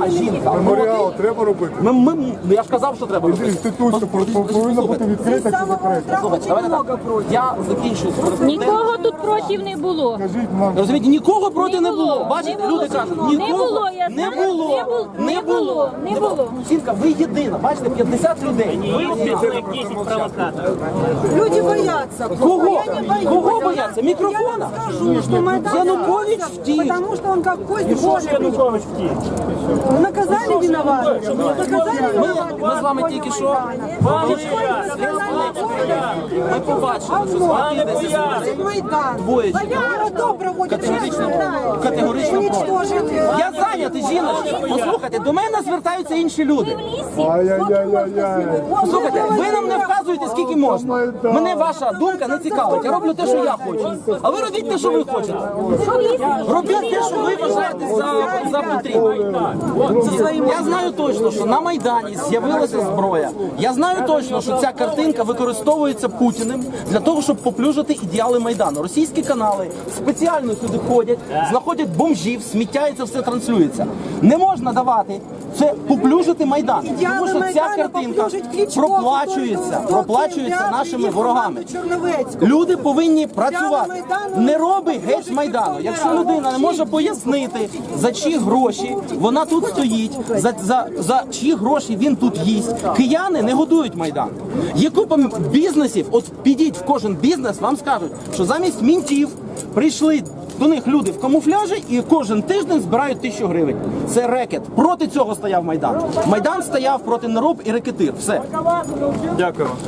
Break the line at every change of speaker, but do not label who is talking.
жінка.
Меморіал треба робити.
Я ж казав, що треба робити.
Інституція повинна бути відкрита чи закрита.
Слухайте, давайте так. Я закінчую з кореспонденцією.
Нікого тут проти не було.
Скажіть нам,
Розумієте, нікого проти не було. Бачите, люди кажуть, нікого
не було.
Жінка, ви єдина, бачите, 50 людей.
Ви як 10 провокаторів.
Люди боятся.
Кого?
Я не боюсь.
Кого бояться? Мікрофона?
Скажу, что Майдан
Янукович
боялся,
втік.
потому что он как кость
Що
Божий.
Янукович втік?
Наказали виноватых. Наказали виноватых.
Ми з вами тільки що ми побачили, що з вами йдеться
Майдан.
двоє
Кто проводит
категорично проти.
уничтожить.
Я зайнятий, жіночка. Послухайте, до мене звертаються інші люди.
ай-яй-яй-яй-яй.
Послухайте, ви нам не вказуєте, скільки можна. Мене ваша думка не цікавить. Я роблю те, що я хочу. А ви робіть те, що ви хочете. Робіть те, що ви вважаєте за потрібне. Я знаю точно, що на Майдані з'явилася зброя. Я знаю точно, що ця картинка використовується Путіним для того, щоб поплюжити ідеали Майдану. Російські канали спеціально сюди ходять, знаходять бомжів, сміття і це все транслюється. Не можна давати це поплюжити Майдан, тому що ця картинка проплачується нашими ворогами. Люди повинні працювати. Не роби геть з Майдану. Якщо людина не може пояснити, за чиї гроші вона тут стоїть, за чиї гроші він тут їсть, кияни не годують Майдан. Є купа бізнесів, от підіть в кожен бізнес, вам скажуть, що замість мінтів прийшли до них люди в камуфляжі і кожен тиждень збирають 1000 гривень. Це рекет. Проти цього стояв Майдан. Майдан стояв проти нероб і рекетир. Все.
Дякую.